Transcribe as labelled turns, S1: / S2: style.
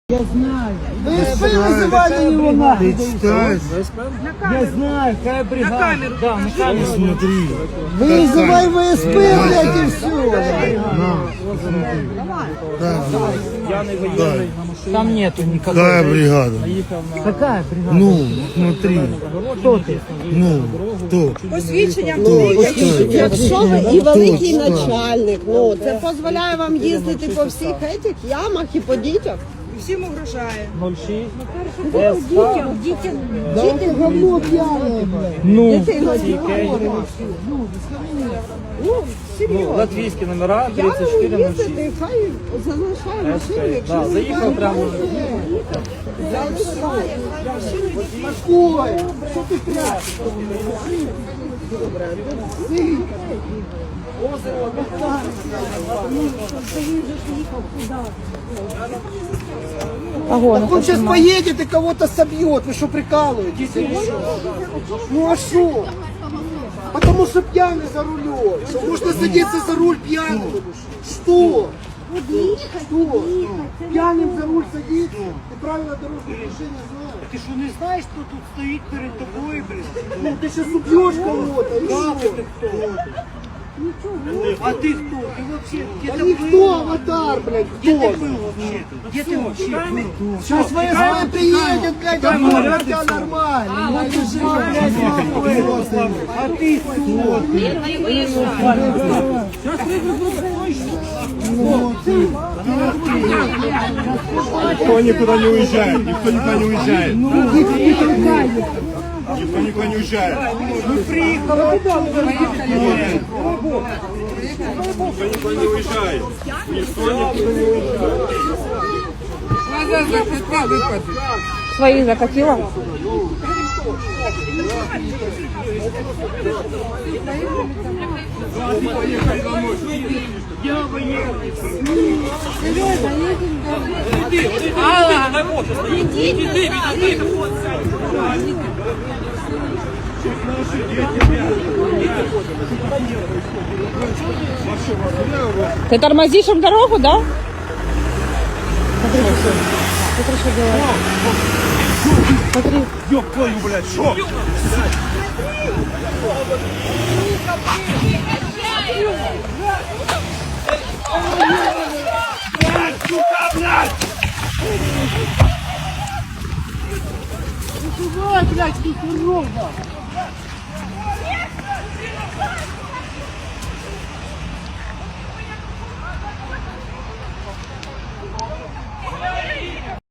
S1: Я знаю.
S2: ВСП вызывали его нахуй.
S3: Ты читаешь?
S1: Я знаю, какая бригада. На камеру. Да, на камеру.
S3: Смотри.
S2: Вызывай ВСП, блядь, и все.
S1: Там нету никакой.
S3: Какая бригада?
S1: Какая бригада?
S3: Ну, смотри.
S1: Кто ты?
S3: Ну, кто?
S4: Посвідчення будуть, якщо ви і великий начальник, ну це дозволяє вам їздити по всіх цих ямах і по дітях. Всім угрожає.
S1: 06.
S2: Дайте говно пьяное, блядь.
S1: Ну,
S4: Ну, серйозно.
S1: латвійські номера
S4: П'яному
S1: 3406.
S4: їздити, хай залишає машину, якщо
S1: Да,
S4: ви
S1: заїхав прямо.
S4: залишає.
S2: Ой, что ты прячешь? Так он сейчас поедет и кого-то собьет. Вы что, прикалываетесь? Ну а что? Потому что пьяный за рулем. Что можно садиться за руль пьяным? Что? Что? Пьяным за руль садиться? Ты правила дорожного движения знаешь?
S5: Ти що не знаєш, хто тут стоїть перед тобою, блін?
S2: Ну ты сейчас убьешь кого-то. и
S5: Да,
S2: что?
S5: ти хто? А ти хто? Ти вообще, де
S2: Да
S5: ти
S2: никто,
S5: був?
S2: аватар, блядь,
S5: Де
S2: кто?
S5: ти був вообще? Де ти вообще був?
S2: Сейчас ВСП приедет, блядь, оформит тебя нормально. Ну ты же, блядь,
S5: А ти хто?
S3: Никто никуда не уезжает. Никто никуда не уезжает. Никто никуда не уезжает.
S5: Ми приїхали.
S3: Никто никуда не уезжает. Никто никуда не уезжает.
S4: Своїх закатила? Ты тормозишь им дорогу, да? Смотри, что делает. Смотри.
S3: Ёб твою, блядь, шо? Сука, блядь!
S2: Давай, блядь, тут ровно.